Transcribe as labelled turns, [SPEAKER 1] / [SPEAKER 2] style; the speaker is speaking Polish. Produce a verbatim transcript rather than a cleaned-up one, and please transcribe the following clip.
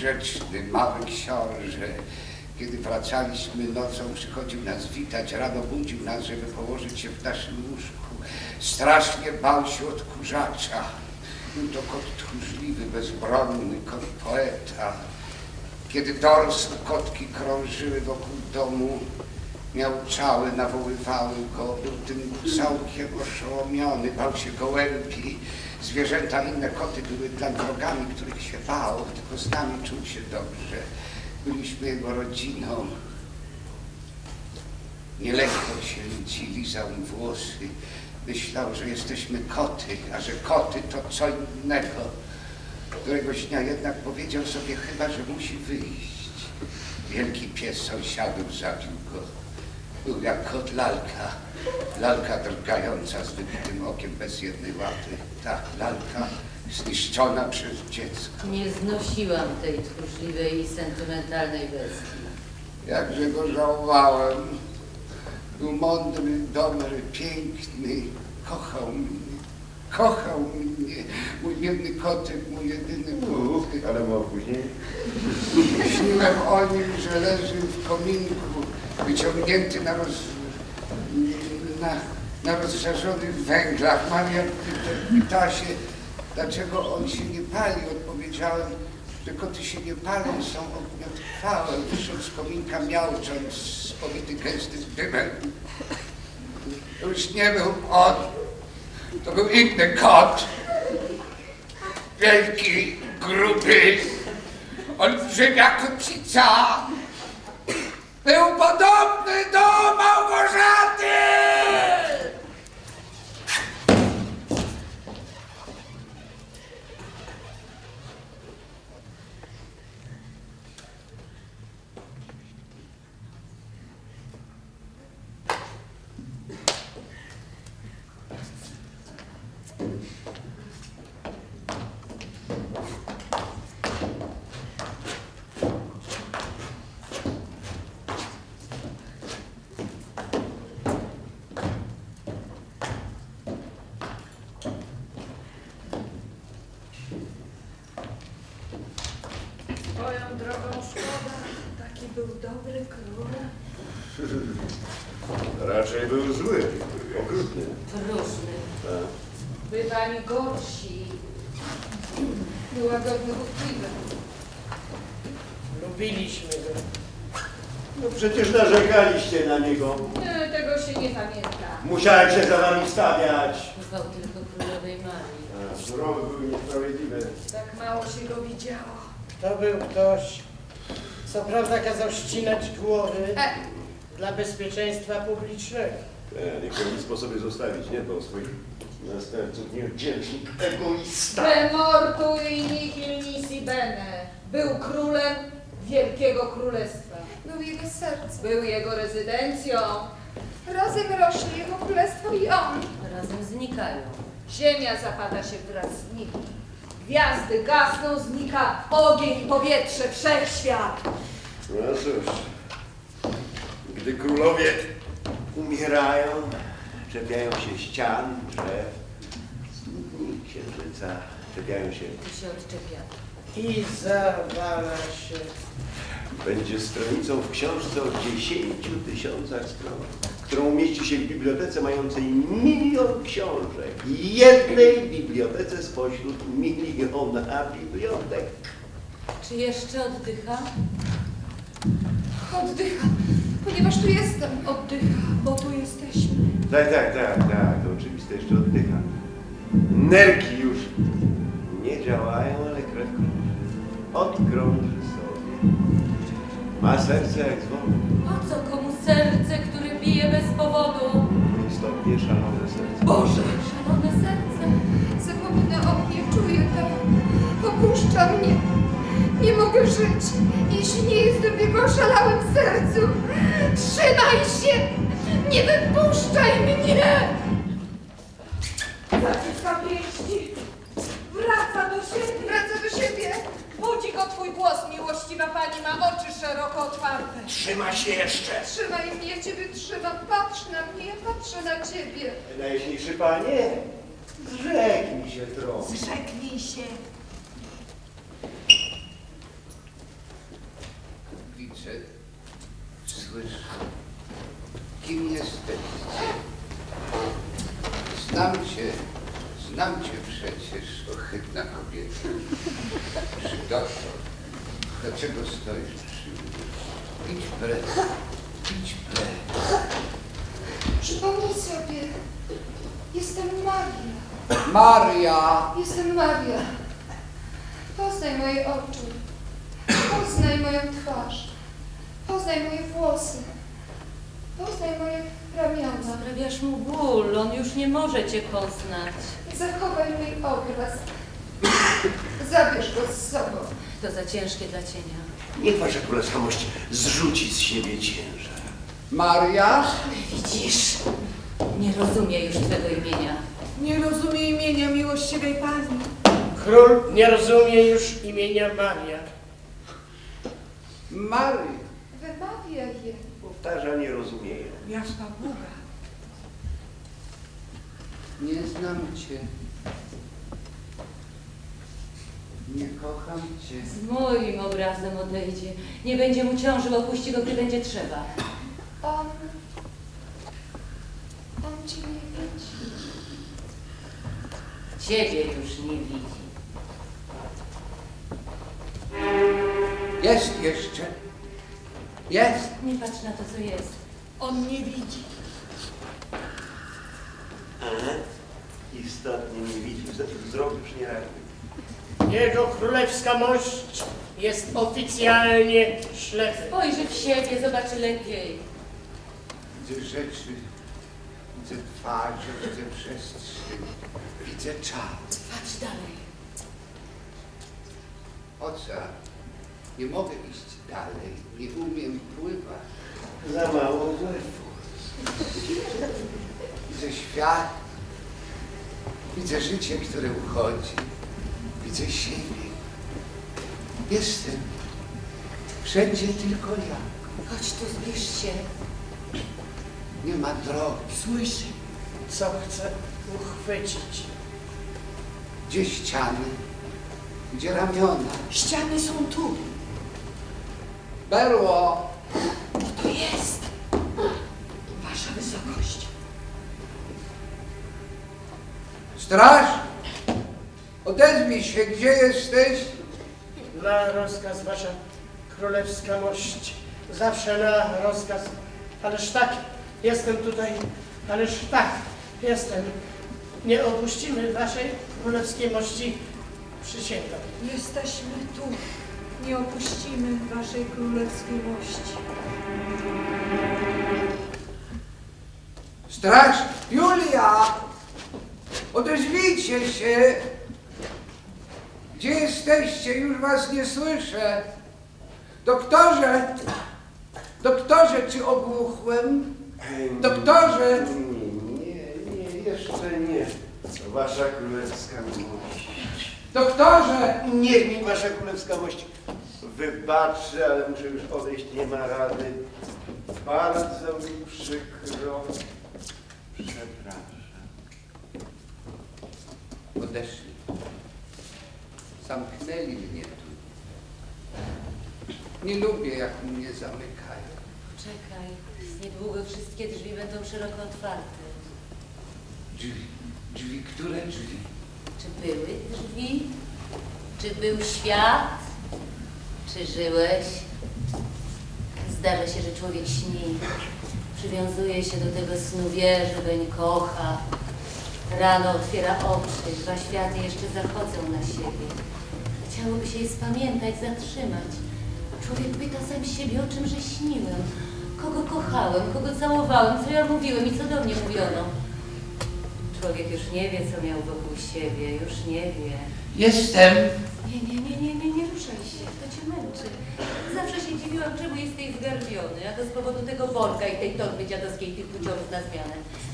[SPEAKER 1] grzeczny mały książę. Kiedy wracaliśmy nocą, przychodził nas witać, rano budził nas, żeby położyć się w naszym łóżku. Strasznie bał się odkurzacza. Był to kot tchórzliwy, bezbronny, kot poeta. Kiedy dorosł, kotki krążyły wokół domu, miauczały, nawoływały go. Był tym całkiem oszołomiony, bał się gołębi. Zwierzęta, inne koty były dla wrogami, których się bał, tylko z nami czuł się dobrze. Byliśmy jego rodziną. Nielekko się ludzi, lizał im włosy. Myślał, że jesteśmy koty, a że koty to co innego. Któregoś dnia jednak powiedział sobie chyba, że musi wyjść. Wielki pies sąsiadów zabił go. Był jak kot lalka. Lalka drgająca z wybitym okiem bez jednej łapy. Ta lalka zniszczona przez dziecko.
[SPEAKER 2] Nie znosiłam tej tchórzliwej i sentymentalnej bestii.
[SPEAKER 1] Jakże go żałowałem. Był mądry, dobry, piękny. Kochał mnie. Kochał mnie. Mój biedny kotek, mój jedyny kotek.
[SPEAKER 3] Ale było później?
[SPEAKER 1] Śniłem o nim, że leży w kominku, wyciągnięty na, roz, na, na rozżarzonych węglach. Maria pyta się, dlaczego on się nie pali. Odpowiedziałem, że koty się nie palą, są ogniotrwałe. Wyszedł z kominka miaucząc, spowity gęstym dymem. To już nie był on, to był inny kot. Wielki, gruby, olbrzymia kocica. Był podobny do Małgorzaty!
[SPEAKER 4] Swoją drogą szkoda, taki był dobry król.
[SPEAKER 3] Raczej był zły, okrutny.
[SPEAKER 2] Próżny.
[SPEAKER 3] Tak.
[SPEAKER 4] Bywali gorsi. Był łagodny, ruchliwy.
[SPEAKER 5] Lubiliśmy go.
[SPEAKER 3] No przecież narzekaliście na niego.
[SPEAKER 4] Nie, tego się nie pamięta.
[SPEAKER 3] Musiałem się za wami wstawiać.
[SPEAKER 2] Ufał tylko królowej Marii.
[SPEAKER 3] A, surowy był niesprawiedliwy.
[SPEAKER 4] Tak mało się go widziało.
[SPEAKER 5] To był ktoś, co prawda kazał ścinać głowy
[SPEAKER 4] E,
[SPEAKER 5] dla bezpieczeństwa publicznego.
[SPEAKER 3] Ja, nie powinien sobie zostawić, nie dbał o swoich następców, niewdzięczny egoista.
[SPEAKER 4] be mortui nihil nisi bene. Był królem wielkiego królestwa.
[SPEAKER 6] Był jego sercem.
[SPEAKER 4] Był jego rezydencją.
[SPEAKER 6] Razem rośnie jego królestwo i on.
[SPEAKER 2] Razem znikają.
[SPEAKER 4] Ziemia zapada się wraz z nim. Gwiazdy gasną, znika ogień, powietrze, wszechświat.
[SPEAKER 3] No cóż, gdy królowie umierają, czepiają się ścian, drzew, studni, księżyca, czepiają się.
[SPEAKER 2] Tu się odczepia.
[SPEAKER 5] I zawala się.
[SPEAKER 3] Będzie stronicą w książce o dziesięciu tysiącach stron, którą umieści się w bibliotece mającej milion książek i jednej bibliotece spośród miliona bibliotek.
[SPEAKER 2] Czy jeszcze oddycha?
[SPEAKER 6] Oddycha, ponieważ tu jestem. Oddycha, bo tu jesteśmy.
[SPEAKER 3] Tak, tak, tak, tak, to oczywiste, jeszcze oddycha. Nerki już nie działają, ale krew krąży. Odkrąży sobie. Ma serce jak dzwon.
[SPEAKER 2] Po co komu serce, które bije bez powodu?
[SPEAKER 3] Istotnie szalone serce.
[SPEAKER 2] Boże!
[SPEAKER 6] Szalone serce. Zapomnę o mnie, czuję to. Opuszcza mnie. Nie mogę żyć, jeśli nie jestem w jego oszalałym sercu. Trzymaj się! Nie wypuszczaj mnie!
[SPEAKER 4] Zaciska pięści. Wraca do siebie.
[SPEAKER 6] Wraca do siebie.
[SPEAKER 4] Budzi go twój głos, miłościwa pani, ma oczy szeroko otwarte.
[SPEAKER 3] Trzyma się jeszcze.
[SPEAKER 6] Trzymaj mnie, ja ciebie trzymam. Patrz na mnie, ja patrzę na ciebie.
[SPEAKER 3] Najjaśniejszy panie, zrzeknij się trochę.
[SPEAKER 4] Zrzeknij się.
[SPEAKER 1] widzę, słyszę. Kim jesteście? Znam cię, znam cię przecież, ohydna kobieta. Czy doktor? Dlaczego stoisz przy mnie? Idź precz, idź precz.
[SPEAKER 6] Przypomnij sobie, jestem Maria.
[SPEAKER 1] Maria!
[SPEAKER 6] Jestem Maria. Poznaj moje oczy. Poznaj moją twarz. Poznaj moje włosy. Poznaj moje ramiona.
[SPEAKER 2] Sprawiasz mu ból, on już nie może cię poznać.
[SPEAKER 6] Zachowaj mój obraz. Zabierz go z sobą.
[SPEAKER 2] To za ciężkie dla cienia.
[SPEAKER 3] Niech wasza królewska mość zrzuci z siebie ciężar.
[SPEAKER 1] Maria?
[SPEAKER 2] Widzisz, nie rozumie już twego imienia.
[SPEAKER 4] Nie rozumie imienia miłościwej pani.
[SPEAKER 5] Król nie rozumie już imienia Maria.
[SPEAKER 1] Maria.
[SPEAKER 6] Wymawiaj je.
[SPEAKER 3] Powtarza, nie rozumieją.
[SPEAKER 4] Jasna Boga.
[SPEAKER 1] Nie znam cię. Nie kocham cię.
[SPEAKER 2] Z moim obrazem odejdzie. Nie będzie mu ciążył, opuści go, gdy będzie trzeba.
[SPEAKER 6] On... On cię nie widzi.
[SPEAKER 2] Ciebie już nie widzi.
[SPEAKER 1] Jest jeszcze. Jest.
[SPEAKER 2] Nie patrz na to, co jest. On nie widzi.
[SPEAKER 3] Aha. Istotnie nie widzi, wzrok już nie reaguje.
[SPEAKER 5] Jego królewska mość jest oficjalnie ślepy.
[SPEAKER 2] Spojrzy w siebie, zobaczy lepiej.
[SPEAKER 1] Widzę rzeczy, widzę twarze, widzę przestrzeń, widzę czas.
[SPEAKER 2] Patrz dalej.
[SPEAKER 1] Ocean. Nie mogę iść dalej, nie umiem pływać.
[SPEAKER 3] Za mało wlewu.
[SPEAKER 1] Widzę świat, widzę życie, które uchodzi, widzę siebie. Jestem wszędzie tylko ja.
[SPEAKER 2] Chodź tu, zbliż się.
[SPEAKER 1] Nie ma drogi.
[SPEAKER 5] Słyszy, co chce uchwycić.
[SPEAKER 1] Gdzie ściany, gdzie ramiona.
[SPEAKER 4] Ściany są tu.
[SPEAKER 1] Berło!
[SPEAKER 4] To jest. Wasza wysokość.
[SPEAKER 1] Straż! Odezwij się, gdzie jesteś?
[SPEAKER 5] Na rozkaz, wasza królewska mość. Zawsze na rozkaz. Ależ tak, jestem tutaj. Ależ tak, jestem. Nie opuścimy waszej królewskiej mości. Przysięgam.
[SPEAKER 4] Jesteśmy tu. Nie opuścimy waszej królewskiej mości.
[SPEAKER 1] Straż! Julia! Odezwijcie się! Gdzie jesteście? Już was nie słyszę. Doktorze! Doktorze, czy ogłuchłem? Doktorze!
[SPEAKER 3] Nie, nie, nie, jeszcze nie. Wasza królewska mość.
[SPEAKER 1] Doktorze!
[SPEAKER 3] Niech mi wasza królewska mość wybaczy, ale muszę już odejść, nie ma rady. Bardzo mi przykro. Przepraszam.
[SPEAKER 1] Odeszli. Zamknęli mnie tu. Nie lubię, jak mnie zamykają.
[SPEAKER 2] Czekaj, niedługo wszystkie drzwi będą szeroko otwarte.
[SPEAKER 1] Drzwi. Drzwi, które drzwi?
[SPEAKER 2] Czy były drzwi? Czy był świat? Czy żyłeś? Zdarza się, że człowiek śni. Przywiązuje się do tego snu, wie, że weń kocha. Rano otwiera oczy, dwa światy jeszcze zachodzą na siebie. Chciałoby się je spamiętać, zatrzymać. Człowiek pyta sam siebie, o czymże śniłem. Kogo kochałem, kogo całowałem, co ja mówiłem i co do mnie mówiono. Człowiek już nie wie, co miał wokół siebie, już nie wie.
[SPEAKER 1] Jestem.
[SPEAKER 2] Nie, nie, nie, nie, nie, nie ruszaj się, to cię męczy. Zawsze się dziwiłam, czemu jesteś zgarbiony, a to z powodu tego worka i tej torby dziadowskiej tych buciorów na zmianę.